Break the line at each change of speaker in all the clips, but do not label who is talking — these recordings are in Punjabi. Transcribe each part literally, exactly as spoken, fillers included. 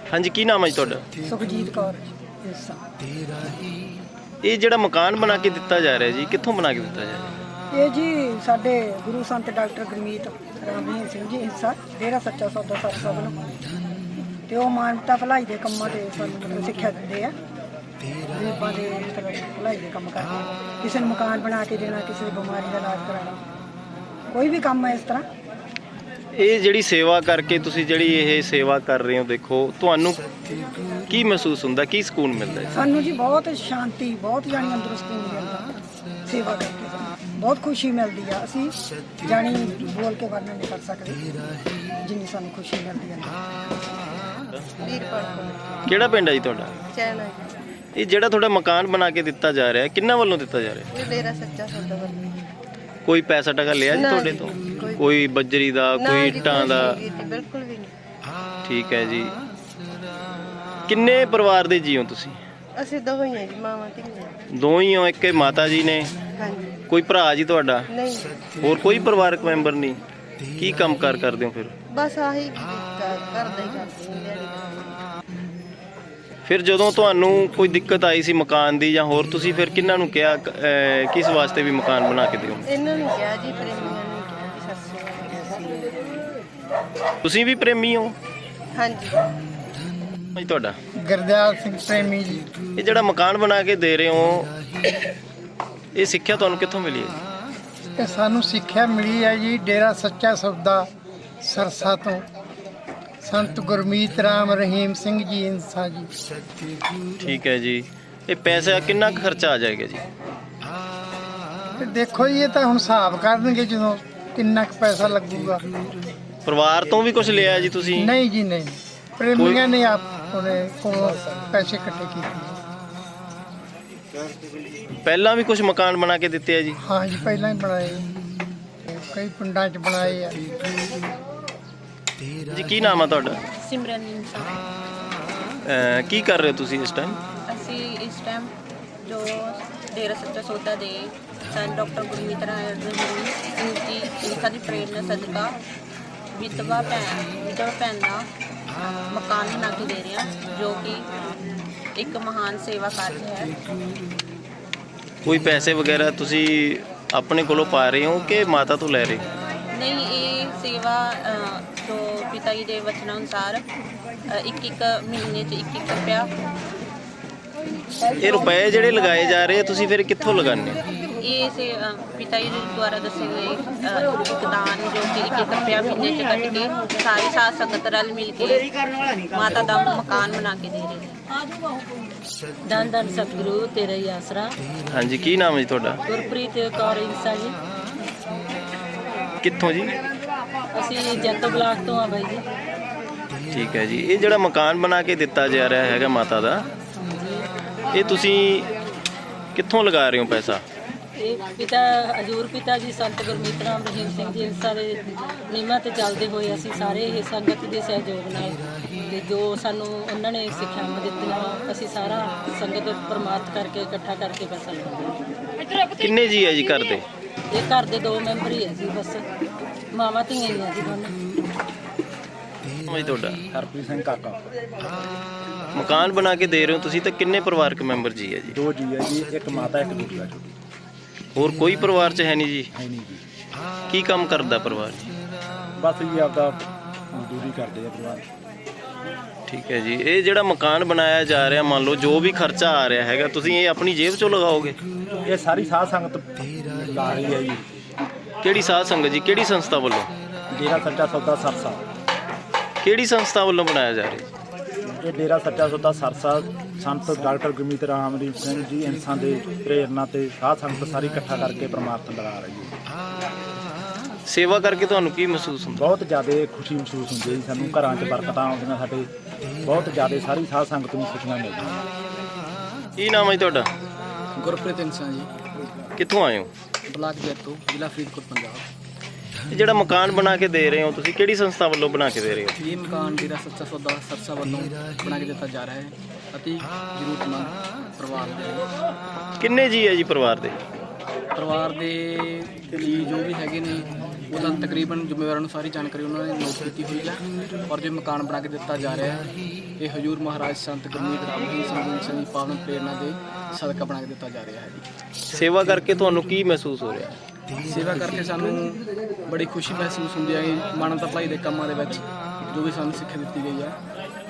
हाँ जी, की नाम है जी तुहाडा?
सुखजीत कौर।
ये जिहड़ा मकान बना के दिता जा रहा है जी, कित्थों बना के दिता जा रहा है?
ये जी साडे गुरु संत डॉक्टर गुरमीत राम रहीम सिंह जी हिस्सा डेरा सच्चा सौदा सरसा वालों ते ਉਹ ਮਾਨਵਤਾ ਭਲਾਈ ਦੇ ਕੰਮਾਂ ਤੇ ਸਾਨੂੰ ਮਤਲਬ ਸਿੱਖਿਆ ਦਿੰਦੇ ਆ। ਗਰੀਬਾਂ ਦੇ ਮਤਲਬ ਭਲਾਈ ਦੇ ਕੰਮ ਕਰਦੇ ਆ। ਕਿਸੇ ਨੂੰ ਮਕਾਨ ਬਣਾ ਕੇ ਦੇਣਾ, ਕਿਸੇ ਦੀ ਬਿਮਾਰੀ ਦਾ ਇਲਾਜ ਕਰਾਉਣਾ, ਕੋਈ ਵੀ ਕੰਮ ਹੈ ਇਸ ਤਰ੍ਹਾਂ।
ਇਹ ਜਿਹੜੀ ਸੇਵਾ ਕਰਕੇ ਤੁਸੀਂ ਜਿਹੜੀ ਇਹ ਸੇਵਾ ਕਰ ਰਹੇ ਹੋ, ਦੇਖੋ ਤੁਹਾਨੂੰ ਕੀ ਮਹਿਸੂਸ ਹੁੰਦਾ, ਕੀ ਸਕੂਨ ਮਿਲਦਾ ਹੈ?
ਸਾਨੂੰ ਜੀ ਬਹੁਤ ਸ਼ਾਂਤੀ, ਬਹੁਤ ਜਾਣੀ ਅੰਦਰੋਂ ਸਕੂਨ ਮਿਲਦਾ ਸੇਵਾ ਕਰਕੇ। ਸਾਨੂੰ ਬਹੁਤ ਖੁਸ਼ੀ ਮਿਲਦੀ ਆ। ਅਸੀਂ ਜਾਣੀ ਬੋਲ ਕੇ ਵਰਣਨ ਨਹੀਂ ਕਰ ਸਕਦੇ ਜਿੰਨੀ ਸਾਨੂੰ ਖੁਸ਼ੀ ਮਿਲਦੀ ਹੈ।
ਕਿਹੜਾ ਪਿੰਡ ਹੈ ਜੀ ਤੁਹਾਡਾ?
ਚੈਨਾ।
ਇਹ ਜਿਹੜਾ ਤੁਹਾਡਾ ਮਕਾਨ ਬਣਾ ਕੇ ਦਿੱਤਾ ਜਾ ਰਿਹਾ ਹੈ, ਕਿੰਨਾਂ ਵੱਲੋਂ ਦਿੱਤਾ ਜਾ ਰਿਹਾ ਹੈ?
ਇਹ ਡੇਰਾ ਸੱਚਾ ਸੌਦਾ ਵੱਲੋਂ।
ਕੋਈ ਪੈਸਾ ਟਕਾ ਲਿਆ ਜੀ ਤੁਹਾਡੇ ਤੋਂ? ਕੋਈ ਬੱਜਰੀ ਦਾ, ਕੋਈ ਇੱਟਾਂ ਦਾ?
ਬਿਲਕੁਲ ਵੀ ਨਹੀਂ।
ਠੀਕ ਹੈ ਜੀ। ਕਿੰਨੇ ਪਰਿਵਾਰ ਦੇ ਜੀ ਹੋ ਤੁਸੀਂ?
ਅਸੀਂ ਦੋ ਹੀ ਹਾਂ ਜੀ, ਮਾਵਾਂ ਧੀਆਂ।
ਦੋ ਹੀ ਹੋ? ਇੱਕ ਇਹ ਮਾਤਾ ਜੀ ਨੇ?
ਹਾਂਜੀ।
ਕੋਈ ਭਰਾ ਜੀ ਤੁਹਾਡਾ?
ਨਹੀਂ।
ਹੋਰ ਕੋਈ ਪਰਿਵਾਰਕ ਮੈਂਬਰ ਨਹੀਂ? ਕੀ ਕੰਮ ਕਾਰ ਕਰਦੇ ਹੋ ਫਿਰ?
ਬਸ ਆਹੀ ਘਰ ਦਾ ਹੀ ਕਰਦੇ ਹਾਂ।
ਫਿਰ ਜਦੋਂ ਤੁਹਾਨੂੰ ਕੋਈ ਦਿੱਕਤ ਆਈ ਸੀ ਮਕਾਨ ਦੀ ਜਾਂ ਹੋਰ, ਤੁਸੀਂ ਫਿਰ ਕਿਹਨਾਂ ਨੂੰ ਕਿਹਾ ਅਹ, ਕਿਸ ਵਾਸਤੇ ਵੀ ਮਕਾਨ ਬਣਾ ਕੇ ਦਿਓ?
ਇਹਨਾਂ ਨੂੰ ਕਿਹਾ ਜੀ, ਪ੍ਰੇਮੀਆਂ ਨੂੰ ਕਿਹਾ ਜੀ। ਸੱਸੇ
ਤੁਸੀਂ ਵੀ ਪ੍ਰੇਮੀ ਹੋ?
ਹਾਂਜੀ।
ਜੀ ਤੁਹਾਡਾ?
ਗੁਰਦਿਆਲ ਸਿੰਘ ਪ੍ਰੇਮੀ ਜੀ।
ਇਹ ਜਿਹੜਾ ਮਕਾਨ ਬਣਾ ਕੇ ਦੇ ਰਹੇ ਹੋ, ਇਹ ਸਿੱਖਿਆ ਤੁਹਾਨੂੰ ਕਿੱਥੋਂ ਮਿਲੀ ਹੈ?
ਇਹ ਸਾਨੂੰ ਸਿੱਖਿਆ ਮਿਲੀ ਹੈ ਜੀ ਡੇਰਾ ਸੱਚਾ ਸੌਦਾ ਸਰਸਾ ਤੋਂ ਸੰਤ ਗੁਰਮੀਤ ਰਾਮ ਰਹੀਮ ਸਿੰਘ ਜੀ ਇੰਸਾ ਜੀ।
ਠੀਕ ਹੈ ਜੀ। ਇਹ ਪੈਸਾ ਕਿੰਨਾ ਕੁ ਖਰਚਾ ਆ ਜਾਏਗਾ ਜੀ?
ਤੇ ਦੇਖੋ ਜੀ, ਇਹ ਤਾਂ ਹੁਣ ਹਿਸਾਬ ਕਰਨਗੇ ਜਦੋਂ ਕਿੰਨਾ ਕੁ ਪੈਸਾ ਲੱਗੂਗਾ।
ਪਰਿਵਾਰ ਤੋਂ ਵੀ ਕੁਝ ਲਿਆ ਜੀ ਤੁਸੀਂ?
ਨਹੀਂ ਜੀ ਨਹੀਂ, ਪ੍ਰੇਮੀਆਂ ਨੇ ਆਪ ਉਹਨੇ ਕੋਲੋਂ ਪੈਸੇ ਇਕੱਠੇ ਕੀਤੇ।
ਪਹਿਲਾਂ ਵੀ ਕੁਝ ਮਕਾਨ ਬਣਾ ਕੇ ਦਿੱਤੇ ਆ ਜੀ?
ਹਾਂ ਜੀ, ਪਹਿਲਾਂ ਹੀ ਬਣਾਏ, ਕਈ ਪਿੰਡਾਂ 'ਚ ਬਣਾਏ ਆ।
ਜੀ ਕੀ ਨਾਮ ਆ ਤੁਹਾਡਾ?
ਸਿਮਰਨ ਇਨਸਾਨ।
ਅਹ, ਕੀ ਕਰ ਰਹੇ ਹੋ ਤੁਸੀਂ ਇਸ ਟਾਈਮ?
ਅਸੀਂ ਇਸ ਟਾਈਮ ਜੋ ਡੇਰਾ ਸੱਚਾ ਸੌਦਾ ਦੇ ਸੰਤ ਡਾਕਟਰ ਗੁਰਮੀਤ ਰਾਮ ਸਿੰਘ ਜੀ ਇੰਸਾ ਦੀ ਪ੍ਰੇਰਨਾ ਸਦਕਾ ਵਿਧਵਾ ਭੈਣ ਵਿਧਵਾ ਭੈਣ ਦਾ ਮਕਾਨ ਬਣਾ ਕੇ ਦੇ ਰਹੇ ਹਾਂ, ਜੋ ਕਿ ਇੱਕ ਮਹਾਨ ਸੇਵਾ ਕਾਰਜ ਹੈ।
ਕੋਈ ਪੈਸੇ ਵਗੈਰਾ ਤੁਸੀਂ ਆਪਣੇ ਕੋਲੋਂ ਪਾ ਰਹੇ ਹੋ ਕਿ ਮਾਤਾ ਤੋਂ ਲੈ ਰਹੇ ਹੋ?
ਨਹੀਂ, ਇਹ ਸੇਵਾ ਅ, ਜੋ ਪਿਤਾ ਜੀ ਦੇ ਵਚਨਾਂ ਅਨੁਸਾਰ ਅ, ਇੱਕ ਇੱਕ ਮਹੀਨੇ 'ਚ ਇੱਕ ਇੱਕ ਰੁਪਇਆ।
ਇਹ ਰੁਪਏ ਜਿਹੜੇ ਲਗਾਏ ਜਾ ਰਹੇ ਆ, ਤੁਸੀਂ ਫਿਰ ਕਿੱਥੋਂ ਲਗਾਉਂਦੇ ਹੋ?
ਇਹ ਸੇ ਅ, ਪਿਤਾ ਜੀ ਦੇ ਦੁਆਰਾ ਦੱਸੇ ਗਏ ਅ, ਇੱਕ ਦਾਨ ਜੋ ਕਿ ਇੱਕ ਇੱਕ ਰੁਪਇਆ ਮਹੀਨੇ 'ਚ ਕੱਟ ਕੇ ਸਾਰੀ ਸਾਧ ਸੰਗਤ ਰਲ ਮਿਲ ਕੇ ਮਾਤਾ ਦਾ ਮਕਾਨ ਬਣਾ ਕੇ ਦੇ ਰਹੇ ਨੇ।
ਧੰਨ ਧੰਨ ਸਤਿਗੁਰੂ ਤੇਰਾ ਹੀ ਆਸਰਾ।
ਹਾਂਜੀ, ਕੀ ਨਾਮ ਹੈ ਜੀ ਤੁਹਾਡਾ?
ਗੁਰਪ੍ਰੀਤ ਕੌਰ ਇੰਸਾ ਜੀ।
ਕਿੱਥੋਂ ਜੀ?
ਅਸੀਂ ਜੈਤੋ ਬਲਾਕ ਤੋਂ ਆ ਬਾਈ ਜੀ।
ਠੀਕ ਹੈ ਜੀ। ਇਹ ਜਿਹੜਾ ਮਕਾਨ ਬਣਾ ਕੇ ਦਿੱਤਾ ਜਾ ਰਿਹਾ ਹੈਗਾ ਮਾਤਾ ਦਾ, ਇਹ ਤੁਸੀਂ ਕਿੱਥੋਂ ਲਗਾ ਰਹੇ ਹੋ ਪੈਸਾ?
ਇਹ ਪਿਤਾ ਹਜੂਰ ਪਿਤਾ ਜੀ ਸੰਤ ਗੁਰਮੀਤ ਰਾਮ ਰਹੀਮ ਸਿੰਘ ਜੀ ਇੰਸਾ ਦੇ ਨਿਯਮਾਂ ਤੇ ਚੱਲਦੇ ਹੋਏ ਅਸੀਂ ਸਾਰੇ ਇਹ ਸੰਗਤ ਦੇ ਸਹਿਯੋਗ ਨਾਲ ਤੇ ਜੋ ਸਾਨੂੰ ਉਹਨਾਂ ਨੇ ਸਿੱਖਿਆਵਾਂ ਦਿੱਤੀਆਂ, ਅਸੀਂ ਸਾਰਾ ਸੰਗਤ ਪ੍ਰਮਾਤ ਕਰਕੇ ਇਕੱਠਾ ਕਰਕੇ ਪੈਸਾ ਲਗਾਉਂਦੇ ਹਾਂ।
ਕਿੰਨੇ ਜੀ ਹੈ ਜੀ ਘਰ ਦੇ?
ਇਹ ਘਰ ਦੇ ਦੋ ਮੈਂਬਰ ਹੀ ਹੈ ਜੀ, ਬਸ ਮਾਵਾਂ ਧੀਆਂ ਹੀ ਆ ਜੀ ਦੋਨੋਂ।
ਜੀ ਤੁਹਾਡਾ?
ਹਰਪ੍ਰੀਤ ਸਿੰਘ ਕਾਕਾ।
ਮਕਾਨ ਬਣਾ ਕੇ ਦੇ ਰਹੇ ਹੋ ਤੁਸੀਂ, ਤਾਂ ਕਿੰਨੇ ਪਰਿਵਾਰਕ ਮੈਂਬਰ ਜੀ ਹੈ ਜੀ?
ਦੋ ਜੀ ਹੈ ਜੀ, ਇੱਕ ਮਾਤਾ ਇੱਕ ਦੂਜਾ ਛੋਟੀ।
ਹੋਰ ਕੋਈ ਪਰਿਵਾਰ 'ਚ ਹੈ ਨਹੀਂ ਜੀ?
ਹੈ ਨਹੀਂ ਜੀ।
ਕੀ ਕੰਮ ਕਰਦਾ ਪਰਿਵਾਰ ਜੀ?
ਬਸ ਜੀ ਆਪਦਾ ਮਜ਼ਦੂਰੀ ਕਰਦੇ ਆ ਪਰਿਵਾਰ।
ਠੀਕ ਹੈ ਜੀ। ਇਹ ਜਿਹੜਾ ਮਕਾਨ ਬਣਾਇਆ ਜਾ ਰਿਹਾ, ਮੰਨ ਲਓ ਜੋ ਵੀ ਖਰਚਾ ਆ ਰਿਹਾ ਹੈਗਾ, ਤੁਸੀਂ ਇਹ ਆਪਣੀ ਜੇਬ 'ਚੋਂ ਲਗਾਓਗੇ?
ਇਹ ਸਾਰੀ ਸਾਧ ਸੰਗਤ ਲਾ ਰਹੀ ਹੈ ਜੀ।
ਕਿਹੜੀ ਸਾਧ ਸੰਗਤ ਜੀ? ਕਿਹੜੀ ਸੰਸਥਾ ਵੱਲੋਂ?
ਡੇਰਾ ਸੱਚਾ ਸੌਦਾ ਸਰਸਾ।
ਕਿਹੜੀ ਸੰਸਥਾ ਵੱਲੋਂ ਬਣਾਇਆ ਜਾ ਰਿਹਾ?
ਇਹ ਡੇਰਾ ਸੱਚਾ ਸੌਦਾ ਸਰਸਾ ਸੰਤ ਡਾਕਟਰ ਗੁਰਮੀਤ ਰਾਮ ਰਹੀਮ ਸਿੰਘ ਜੀ ਇੰਸਾਂ ਦੇ ਪ੍ਰੇਰਨਾ ਤੇ ਸਾਧ ਸੰਗਤ ਸਾਰੀ ਇਕੱਠਾ ਕਰਕੇ ਪਰਮਾਰਥ ਲਗਾ ਰਹੀ ਹੈ।
ਸੇਵਾ ਕਰਕੇ ਤੁਹਾਨੂੰ ਕੀ ਮਹਿਸੂਸ ਹੁੰਦਾ?
ਬਹੁਤ ਜ਼ਿਆਦਾ ਖੁਸ਼ੀ ਮਹਿਸੂਸ ਹੁੰਦੀ ਹੈ ਜੀ। ਸਾਨੂੰ ਘਰਾਂ 'ਚ ਬਰਕਤਾਂ ਆਉਂਦੀਆਂ, ਸਾਡੇ ਬਹੁਤ ਜ਼ਿਆਦਾ ਸਾਰੀ ਸਾਧ ਸੰਗਤ ਨੂੰ ਖੁਸ਼ੀਆਂ ਮਿਲਦੀਆਂ।
ਕੀ ਨਾਮ ਹੈ ਜੀ ਤੁਹਾਡਾ?
ਗੁਰਪ੍ਰੀਤ ਇੰਸਾਨ ਜੀ,
ਕਿੱਥੋਂ ਆਏ ਹੋ?
ਬਲਾਕ ਜੈਤੋ, ਜ਼ਿਲ੍ਹਾ ਫਰੀਦਕੋਟ, ਪੰਜਾਬ।
ਇਹ ਜਿਹੜਾ ਮਕਾਨ ਬਣਾ ਕੇ ਦੇ ਰਹੇ ਹੋ ਤੁਸੀਂ, ਕਿਹੜੀ ਸੰਸਥਾ ਵੱਲੋਂ ਬਣਾ ਕੇ ਦੇ ਰਹੇ ਹੋ?
ਇਹ ਮਕਾਨ ਡੇਰਾ ਸੱਚਾ ਸੌਦਾ ਸਰਸਾ ਵੱਲੋਂ ਬਣਾ ਕੇ ਦਿੱਤਾ ਜਾ ਰਿਹਾ ਹੈ ਅਤੇ ਜ਼ਰੂਰਤਮੰਦ ਪਰਿਵਾਰ ਦੇ।
ਕਿੰਨੇ ਜੀ ਹੈ ਜੀ ਪਰਿਵਾਰ ਦੇ?
ਪਰਿਵਾਰ ਦੇ ਜੀ ਜੋ ਵੀ ਹੈਗੇ ਨੇ ਉਹਦਾ ਤਕਰੀਬਨ ਜ਼ਿੰਮੇਵਾਰਾਂ ਨੂੰ ਸਾਰੀ ਜਾਣਕਾਰੀ ਉਹਨਾਂ ਨੇ ਨੋਟ ਕੀਤੀ ਹੋਈ ਹੈ। ਔਰ ਜੋ ਮਕਾਨ ਬਣਾ ਕੇ ਦਿੱਤਾ ਜਾ ਰਿਹਾ ਹੈ ਇਹ ਹਜੂਰ ਮਹਾਰਾਜ ਸੰਤ ਗੁਰਮੀਤ ਰਾਮ ਸਿੰਘ ਜੀ ਦੀ ਪਾਵਨ ਪ੍ਰੇਰਨਾ ਦੇ ਸਦਕਾ ਬਣਾ ਕੇ ਦਿੱਤਾ ਜਾ ਰਿਹਾ ਹੈ ਜੀ।
ਸੇਵਾ ਕਰਕੇ ਤੁਹਾਨੂੰ ਕੀ ਮਹਿਸੂਸ ਹੋ ਰਿਹਾ?
ਸੇਵਾ ਕਰਕੇ ਸਾਨੂੰ ਬੜੀ ਖੁਸ਼ੀ ਮਹਿਸੂਸ ਹੁੰਦੀ ਹੈ ਕਿ ਮਾਨਵਤਾ ਭਲਾਈ ਦੇ ਕੰਮਾਂ ਦੇ ਵਿੱਚ ਜੋ ਵੀ ਸਾਨੂੰ ਸਿੱਖਿਆ ਦਿੱਤੀ ਗਈ ਹੈ।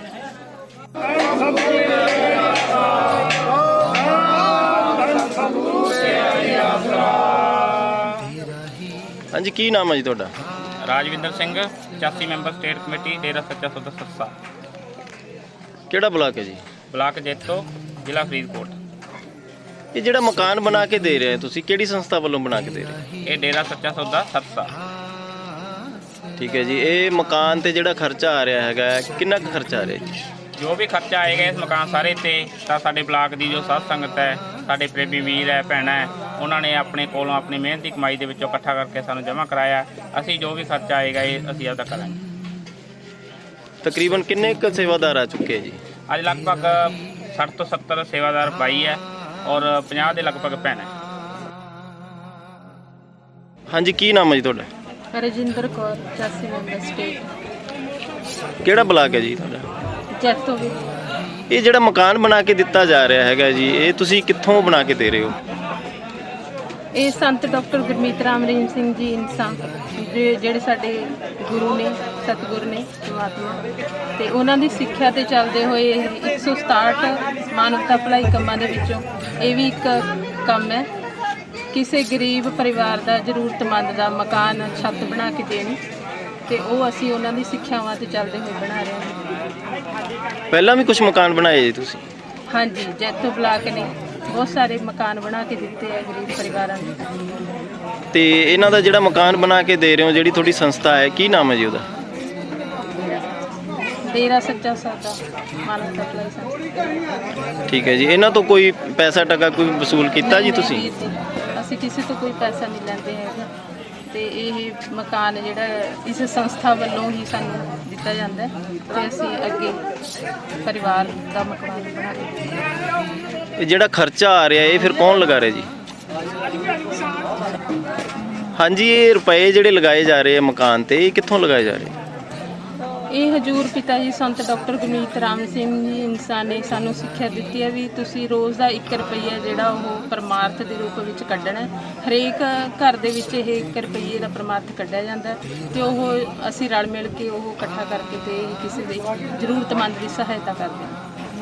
ਹਾਂਜੀ, ਕੀ ਨਾਮ ਹੈ ਜੀ ਤੁਹਾਡਾ?
ਰਾਜਵਿੰਦਰ ਸਿੰਘ, ਪਚਾਸੀ ਮੈਂਬਰ ਸਟੇਟ ਕਮੇਟੀ, ਡੇਰਾ ਸੱਚਾ ਸੌਦਾ ਸਰਸਾ,
ਕਿਹੜਾ ਬਲਾਕ ਹੈ ਜੀ?
ਬਲਾਕ ਜੈਤੋ, ਜ਼ਿਲ੍ਹਾ ਫਰੀਦਕੋਟ।
ਇਹ ਜਿਹੜਾ ਮਕਾਨ ਬਣਾ ਕੇ ਦੇ ਰਹੇ ਹੋ ਤੁਸੀਂ, ਕਿਹੜੀ ਸੰਸਥਾ ਵੱਲੋਂ ਬਣਾ ਕੇ ਦੇ ਰਹੇ ਹੋ?
ਇਹ ਡੇਰਾ ਸੱਚਾ ਸੌਦਾ ਸਰਸਾ।
ਠੀਕ ਹੈ ਜੀ। ਇਹ ਮਕਾਨ ਤੇ ਜਿਹੜਾ ਖਰਚਾ ਆ ਰਿਹਾ ਹੈਗਾ, ਕਿੰਨਾ ਕੁ ਖਰਚਾ ਆ ਰਿਹਾ ਜੀ?
ਜੋ ਵੀ ਖਰਚਾ ਆਏਗਾ ਇਸ ਮਕਾਨ ਸਾਰੇ ਤੇ ਤਾਂ ਸਾਡੇ ਬਲਾਕ ਦੀ ਜੋ ਸਾਧ ਸੰਗਤ ਹੈ, ਸਾਡੇ ਪ੍ਰੇਮੀ ਵੀਰ ਹੈ, ਭੈਣਾਂ ਹੈ, ਉਹਨਾਂ ਨੇ ਆਪਣੇ ਕੋਲੋਂ ਆਪਣੀ ਮਿਹਨਤ ਦੀ ਕਮਾਈ ਦੇ ਵਿੱਚੋਂ ਇਕੱਠਾ ਕਰਕੇ ਸਾਨੂੰ ਜਮ੍ਹਾਂ ਕਰਾਇਆ। ਅਸੀਂ ਜੋ ਵੀ ਖਰਚਾ ਆਏਗਾ ਇਹ ਅਸੀਂ ਆਪਦਾ ਕਰਾਂਗੇ।
ਤਕਰੀਬਨ ਕਿੰਨੇ ਕੁ ਸੇਵਾਦਾਰ ਆ ਚੁੱਕੇ ਜੀ?
ਅੱਜ ਲਗਭਗ ਸੱਠ ਤੋਂ ਸੱਤਰ ਸੇਵਾਦਾਰ ਬਾਈ ਹੈ ਔਰ ਪੰਜਾਹ ਦੇ ਲਗਭਗ ਭੈਣਾਂ ਹੈ।
ਹਾਂਜੀ, ਕੀ ਨਾਮ ਹੈ ਜੀ ਤੁਹਾਡਾ?
ਰਜਿੰਦਰ ਕੌਰ, ਪਚਾਸੀ ਮੈਂਬਰ ਸਟੇਟ,
ਕਿਹੜਾ ਬਲਾਕ ਹੈ ਜੀ ਤੁਹਾਡਾ?
ਜੈਤੋ ਵਿੱਚ।
ਇਹ ਜਿਹੜਾ ਮਕਾਨ ਬਣਾ ਕੇ ਦਿੱਤਾ ਜਾ ਰਿਹਾ ਹੈਗਾ ਜੀ, ਇਹ ਤੁਸੀਂ ਕਿੱਥੋਂ ਬਣਾ ਕੇ ਦੇ ਰਹੇ ਹੋ?
ਇਹ ਸੰਤ ਡਾਕਟਰ ਗੁਰਮੀਤ ਰਾਮ ਰਹੀਮ ਸਿੰਘ ਜੀ ਇਨਸਾਨ ਜਿਹੜੇ ਸਾਡੇ ਗੁਰੂ ਨੇ, ਸਤਿਗੁਰ ਨੇ, ਪਰਮਾਤਮਾ, ਤੇ ਉਹਨਾਂ ਦੀ ਸਿੱਖਿਆ ਤੇ ਚੱਲਦੇ ਹੋਏ ਇੱਕ ਸੌ ਸਤਾਹਠ ਮਾਨਵਤਾ ਭਲਾਈ ਕੰਮਾਂ ਦੇ ਵਿੱਚੋਂ ਇਹ ਵੀ ਇੱਕ ਕੰਮ ਹੈ। ਕਿਸੇ ਗਰੀਬ ਪਰਿਵਾਰ ਦਾ ਜ਼ਰੂਰਤਮੰਦ ਦਾ ਮਕਾਨ, ਛੱਤ ਬਣਾ ਕੇ ਦੇਣੀ, ਤੇ ਉਹ ਅਸੀਂ ਉਹਨਾਂ ਦੀ ਸਿੱਖਿਆਵਾਂ ਤੇ ਚੱਲਦੇ ਹੋਏ ਬਣਾ ਰਹੇ ਹਾਂ।
ਪਹਿਲਾਂ ਵੀ ਕੁਝ ਮਕਾਨ ਬਣਾਏ ਜੀ ਤੁਸੀਂ?
ਹਾਂਜੀ, ਜੈਤੋ ਬਲਾਕ ਨੇ ਬਹੁਤ ਸਾਰੇ ਮਕਾਨ ਬਣਾ ਕੇ ਦਿੱਤੇ ਆ ਗਰੀਬ ਪਰਿਵਾਰਾਂ ਨੂੰ।
ਤੇ ਇਹਨਾਂ ਦਾ ਜਿਹੜਾ ਮਕਾਨ ਬਣਾ ਕੇ ਦੇ ਰਹੇ ਹੋ, ਜਿਹੜੀ ਤੁਹਾਡੀ ਸੰਸਥਾ ਹੈ, ਕੀ ਨਾਮ ਹੈ ਜੀ ਉਹਦਾ?
ਡੇਰਾ ਸੱਚਾ ਸੌਦਾ ਮਾਨਵਤਾ ਭਲਾਈ ਸੰਸਥਾ।
ਠੀਕ ਹੈ ਜੀ। ਇਹਨਾਂ ਤੋਂ ਕੋਈ ਪੈਸਾ ਟਕਾ ਕੋਈ ਵਸੂਲ ਕੀਤਾ ਜੀ ਤੁਸੀਂ?
ਨਹੀਂ ਵੀਰ ਜੀ, ਅਸੀਂ ਕਿਸੇ ਤੋਂ ਕੋਈ ਪੈਸਾ ਨਹੀਂ ਲੈਂਦੇ ਹੈਗੇ, ਤੇ ਇਹ ਮਕਾਨ ਜਿਹੜਾ ਇਸ ਸੰਸਥਾ ਵੱਲੋਂ ਹੀ ਸਾਨੂੰ ਦਿੱਤਾ ਜਾਂਦਾ ਹੈ ਤੇ ਅਸੀਂ ਅੱਗੇ ਪਰਿਵਾਰ ਦਾ ਮਕਾਨ ਬਣਾ ਰਹੇ।
ਇਹ ਜਿਹੜਾ ਖਰਚਾ ਆ ਰਿਹਾ ਇਹ ਫਿਰ ਕੌਣ ਲਗਾ ਰਿਹਾ ਜੀ? ਹਾਂਜੀ, ਇਹ ਰੁਪਏ ਜਿਹੜੇ ਲਗਾਏ ਜਾ ਰਹੇ ਆ ਮਕਾਨ ਤੇ, ਇਹ ਕਿੱਥੋਂ ਲਗਾਏ ਜਾ ਰਹੇ?
ਇਹ ਹਜੂਰ ਪਿਤਾ ਜੀ ਸੰਤ ਡਾਕਟਰ ਗੁਰਮੀਤ ਰਾਮ ਸਿੰਘ ਜੀ ਇਨਸਾਨ ਨੇ ਸਾਨੂੰ ਸਿੱਖਿਆ ਦਿੱਤੀ ਹੈ ਵੀ ਤੁਸੀਂ ਰੋਜ਼ ਦਾ ਇੱਕ ਰੁਪਈਆ ਜਿਹੜਾ ਉਹ ਪਰਮਾਰਥ ਦੇ ਰੂਪ ਵਿੱਚ ਕੱਢਣਾ ਹੈ। ਹਰੇਕ ਘਰ ਦੇ ਵਿੱਚ ਇਹ ਇੱਕ ਰੁਪਈਏ ਦਾ ਪਰਮਾਰਥ ਕੱਢਿਆ ਜਾਂਦਾ ਹੈ ਤੇ ਉਹ ਅਸੀਂ ਰਲ ਮਿਲ ਕੇ ਉਹ ਇਕੱਠਾ ਕਰਕੇ ਤੇ ਕਿਸੇ ਦੇ ਜ਼ਰੂਰਤਮੰਦ ਦੀ ਸਹਾਇਤਾ ਕਰਦੇ ਹਾਂ।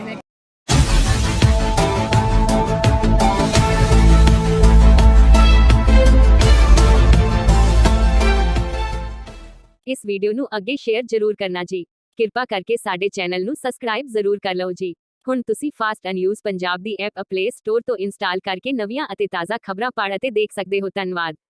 ਇਸ ਵੀਡੀਓ ਨੂੰ ਅੱਗੇ ਸ਼ੇਅਰ ਜ਼ਰੂਰ ਕਰਨਾ ਜੀ। ਕਿਰਪਾ ਕਰਕੇ ਸਾਡੇ ਚੈਨਲ ਨੂੰ ਸਬਸਕ੍ਰਾਈਬ ਜ਼ਰੂਰ ਕਰ ਲਓ ਜੀ। ਹੁਣ ਤੁਸੀਂ ਫਾਸਟ ਨਿਊਜ਼ ਪੰਜਾਬ ਦੀ ਐਪ ਪਲੇ ਸਟੋਰ ਤੋਂ ਇੰਸਟਾਲ ਕਰਕੇ ਨਵੀਆਂ ਅਤੇ ਤਾਜ਼ਾ ਖਬਰਾਂ ਪੜ੍ਹ ਅਤੇ ਦੇਖ ਸਕਦੇ ਹੋ। ਧੰਨਵਾਦ।